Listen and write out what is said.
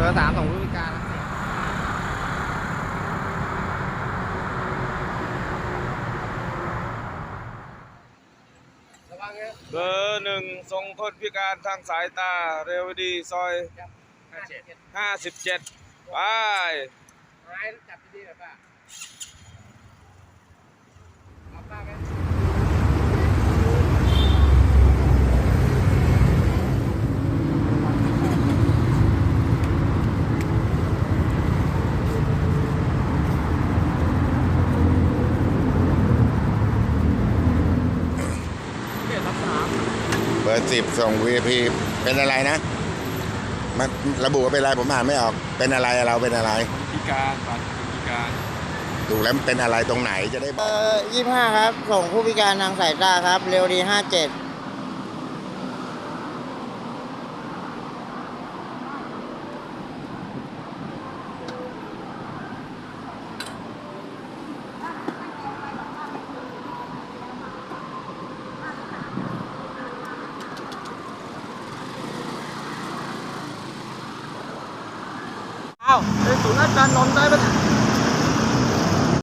ร์3ส่งผู้พิการเบอร์1ส่งคนพิการทางสายตาเรวดีซอย57ไปหายจับดีๆหน่อยป้าเอาป้าไหมเบอร์10ส่ง VIP เป็นอะไรนะมาระบุว่าเป็นอะไรผมอ่านไม่ออกเป็นอะไรเราเป็นอะไรพิการบัตรพิการดูแล้วมันเป็นอะไรตรงไหนจะได้บอก 25ครับส่งผู้พิการทางสายตาครับเร็วดี57 อ้าวเป็นศูนย์ราชการนนท์ได้ปะ